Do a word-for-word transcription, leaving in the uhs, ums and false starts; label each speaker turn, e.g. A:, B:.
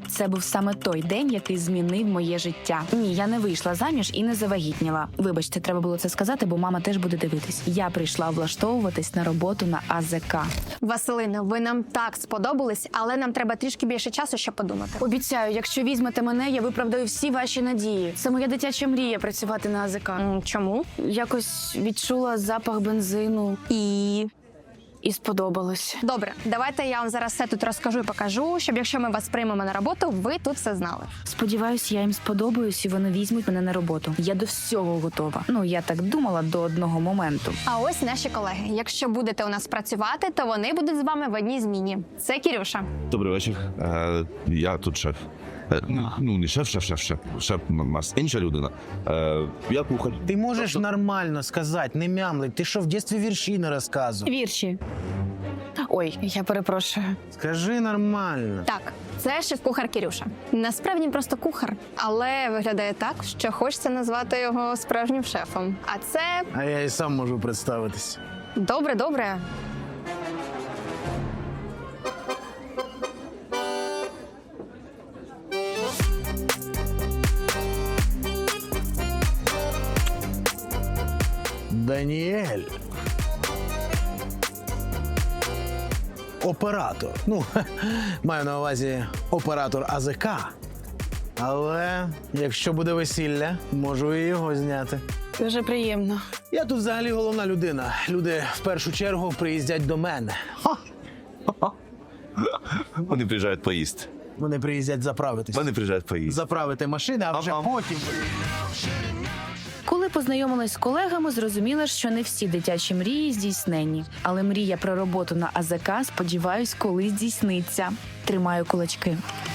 A: Це був саме той день, який змінив моє життя. Ні, я не вийшла заміж і не завагітніла. Вибачте, треба було це сказати, бо мама теж буде дивитись. Я прийшла влаштовуватись на роботу на А З К.
B: Василина, ви нам так сподобались, але нам треба трішки більше часу, щоб подумати.
A: Обіцяю, якщо візьмете мене, я виправдаю всі ваші надії. Це моя дитяча мрія працювати на А З К.
B: М, Чому?
A: Якось відчула запах бензину
B: І...
A: і сподобалось.
B: Добре, давайте я вам зараз все тут розкажу і покажу, щоб якщо ми вас приймемо на роботу, ви тут все знали.
A: Сподіваюсь, я їм сподобаюсь і вони візьмуть мене на роботу. Я до всього готова. Ну, я так думала до одного моменту.
B: А ось наші колеги. Якщо будете у нас працювати, то вони будуть з вами в одній зміні. Це Кірюша.
C: Добрий вечір. Е, я тут шеф. Е, ну, не шеф, шеф, шеф, шеф. Шеф у нас інша людина. Е, я кухар.
D: Ти можеш нормально сказати, не мямлить. Ти що, в дитинстві вірші не розказував?
A: Вірші. Ой, я перепрошую.
D: Скажи нормально.
B: Так, це шеф-кухар Кірюша. Насправді він просто кухар, але виглядає так, що хочеться назвати його справжнім шефом. А це
D: А я і сам можу представитись.
B: добре, добре.
D: Даніель. Оператор. Ну, маю на увазі оператор А З К. Але якщо буде весілля, можу і його зняти.
A: Дуже приємно.
D: Я тут взагалі головна людина. Люди в першу чергу приїздять до мене.
C: Вони приїжджають поїсти.
D: Вони приїздять заправитись.
C: Вони приїжджають поїсти.
D: Заправити машини, а вже
C: Ага.
D: потім.
A: Коли познайомилась з колегами, зрозуміла, що не всі дитячі мрії здійснені. Але мрія про роботу на А З К, сподіваюсь, колись здійсниться. Тримаю кулачки.